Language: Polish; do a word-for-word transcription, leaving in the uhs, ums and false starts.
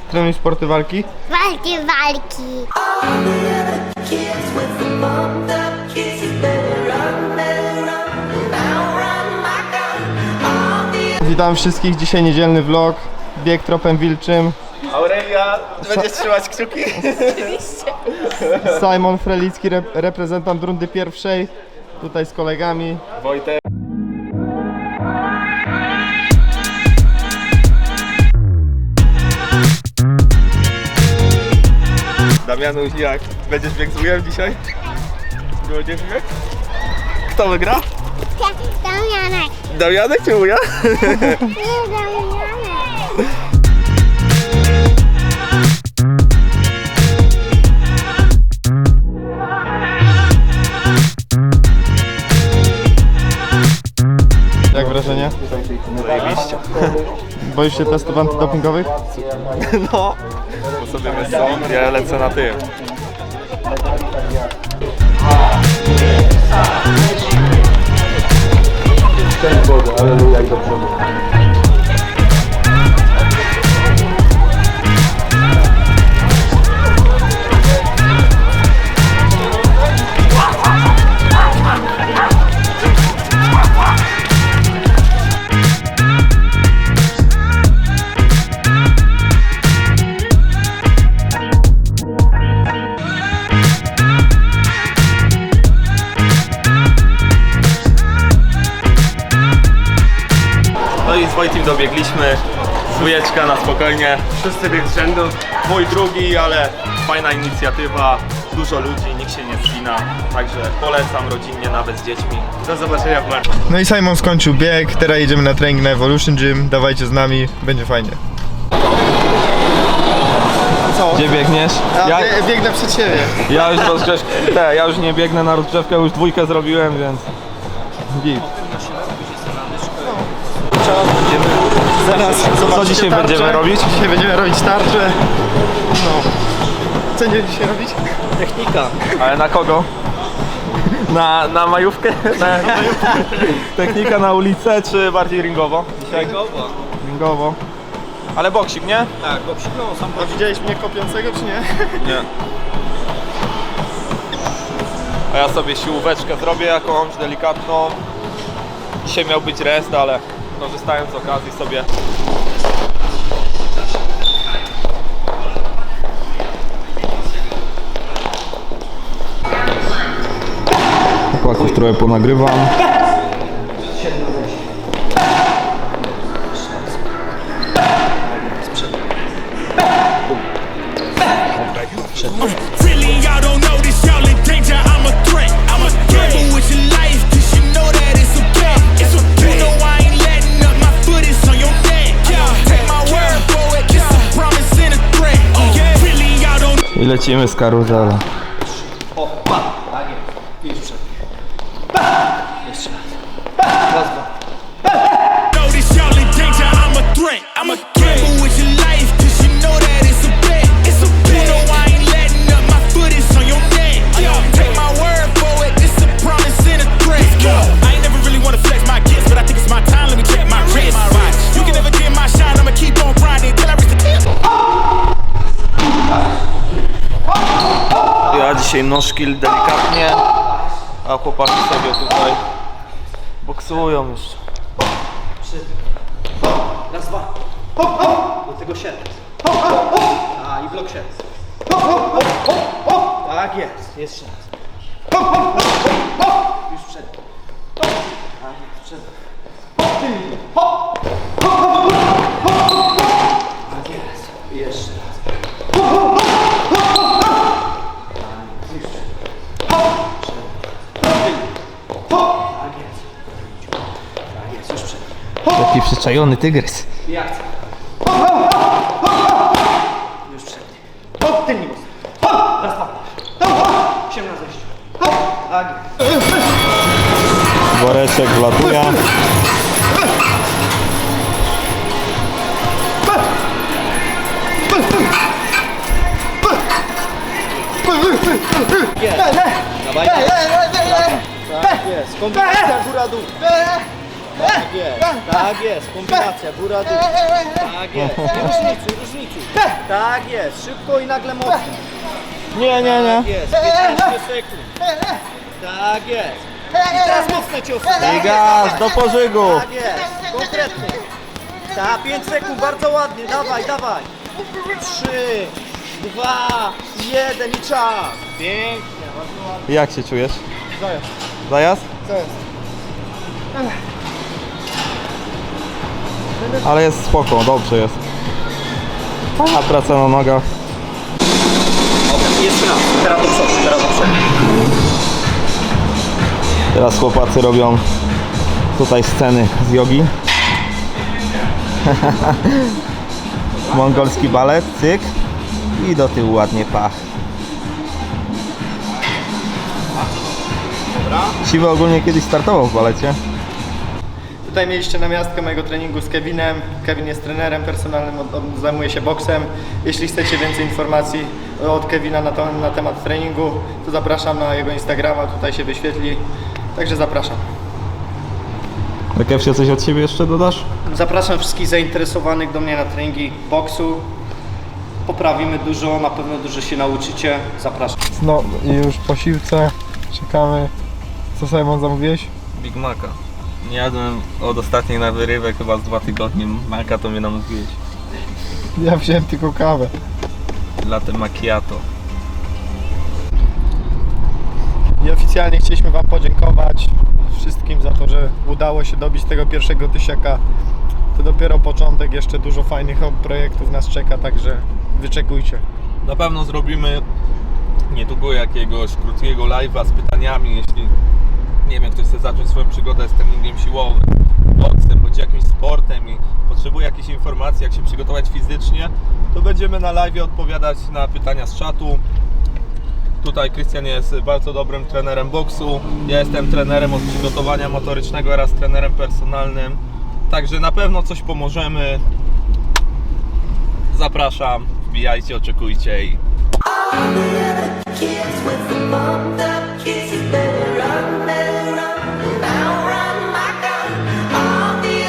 Trenuj sporty walki. Walki, walki. Witam wszystkich, dzisiaj niedzielny vlog. Bieg tropem wilczym. Aurelia, będziesz trzymać kciuki? Simon Frelicki, rep reprezentant rundy pierwszej. Tutaj z kolegami. Wojtek. Damianuś, jak? Będziesz biegł z wujem dzisiaj? Będziesz biegł? Kto wygra? Damianek. Damianek czy wuja? Nie, Damianek. Jak wrażenie? Zajebiście. Boisz się testów antydopingowych? No, bo sobie myślą, ja lecę na tym. Szczęść Boże, aleluja i do przodu. No i z Wojtim dobiegliśmy. Dwójeczka na spokojnie. Wszyscy bieg z rzędu. Mój drugi, ale fajna inicjatywa. Dużo ludzi, nikt się nie spina. Także polecam rodzinnie, nawet z dziećmi. Do zobaczenia w marcu. No i Simon skończył bieg, teraz jedziemy na trening na Evolution Gym. Dawajcie z nami, będzie fajnie. Co? Gdzie biegniesz? Ja, Ja, biegnę przed siebie. ja już rozgrzewkę, te, ja już nie biegnę na rozgrzewkę, już dwójkę zrobiłem, więc git. Zaraz Co zobaczycie dzisiaj tarczę. będziemy robić? Dzisiaj będziemy robić tarczę. No. Co będziemy dzisiaj robić? Technika. Ale na kogo? Na, na majówkę? Na, technika na ulicę, czy bardziej ringowo? Dzisiaj? Ringowo. Ringowo. Ale boksik, nie? Tak, bo przyknął sam. A widziałeś mnie kopiącego czy nie? Nie. A ja sobie siłóweczkę zrobię jakąś delikatną. Dzisiaj miał być rest, ale korzystając z okazji sobie. Chłopaków trochę ponagrywam. Really, y'all don't know this, y'all in danger. I'm a threat. I'm a gamble with your life, cause you know that it's okay. It's okay. You know I ain't letting up, my foot is on your neck. Yeah, take my word for it, it's a promise and a threat. Oh, yeah. Really, y'all don't I lecimy z karuzela. O, pa! Tak jest. I już przed. Pa! Jeszcze raz. Raz, dwa. know this, y'all in danger. I'm a threat. I'm a gamble with your life, cause you know that it's a bet. It's a bet. You know I ain't letting up, my foot is on your neck. Yeah, take my word for it, it's a promise and a threat. I ain't never really wanna flex my gifts, but I think it's my time, let me check my wrist. You can never dim my shine, I'ma keep on grinding till I reach the tip. Ja dzisiaj nożkill delikatnie, a chłopaki sobie tutaj boksują jeszcze. Raz, dwa. Do tego sierp. A i blok sierp. Tak jest. Jeszcze raz. Już przed. Tak jest, przed. Tak jest. I jeszcze raz. Tak jest. Tak jest, już przed. Taki przyczajony tygrys. I akcja. Już przed. Tylnie mocno. Raz, dwa. Osiem na zejściu. Tak jest. Woreczek wlatuje. Dawaj. Tak jest. Kombinacja góra-dół. Tak jest, tak jest, kombinacja, góra, dół. Tak jest, nie różnicuj, różnicuj. Tak jest, szybko i nagle mocno. Nie, nie, nie. Tak jest, piętnaście sekund. Tak jest. I teraz mocne ciosy. Tak I gaz, do pożygu. Tak jest, konkretnie. Tak, pięć sekund, bardzo ładnie, dawaj, dawaj. trzy, dwa, jeden i czas. Pięknie, bardzo ładnie. Jak się czujesz? Zajazd. Zajazd? Zajazd. Ale jest spoko, dobrze jest. Fajna praca na nogach. Okej, jeszcze raz, teraz do przodu, teraz do przodu. Teraz chłopacy robią tutaj sceny z jogi. Mongolski balet, cyk. I do tyłu ładnie pach. Siwy ogólnie kiedyś startował w balecie. Tutaj mieliście namiastkę mojego treningu z Kevinem. Kevin jest trenerem personalnym, on, on zajmuje się boksem. Jeśli chcecie więcej informacji od Kevina na, to, na temat treningu, to zapraszam na jego Instagrama, tutaj się wyświetli. Także zapraszam. Kevsie, coś od siebie jeszcze dodasz? Zapraszam wszystkich zainteresowanych do mnie na treningi boksu. Poprawimy dużo, na pewno dużo się nauczycie. Zapraszam. No i już po siłce czekamy. Co Simon zamówiłeś? Big Maca. Nie jadłem od ostatniej na wyrywek chyba z dwa tygodnie. Maca to mnie namówiłeś. Ja wziąłem tylko kawę. Latte macchiato. I oficjalnie chcieliśmy Wam podziękować wszystkim za to, że udało się dobić tego pierwszego tysiaka. To dopiero początek, jeszcze dużo fajnych projektów nas czeka, także wyczekujcie. Na pewno zrobimy niedługo jakiegoś krótkiego live'a z pytaniami, jeśli nie wiem, ktoś chce zacząć swoją przygodę z treningiem siłowym, boksem, bądź jakimś sportem i potrzebuje jakichś informacji, jak się przygotować fizycznie, to będziemy na live'ie odpowiadać na pytania z czatu. Tutaj Krystian jest bardzo dobrym trenerem boksu, ja jestem trenerem od przygotowania motorycznego oraz trenerem personalnym, także na pewno coś pomożemy. Zapraszam, wbijajcie, oczekujcie i All the other kids with the bump that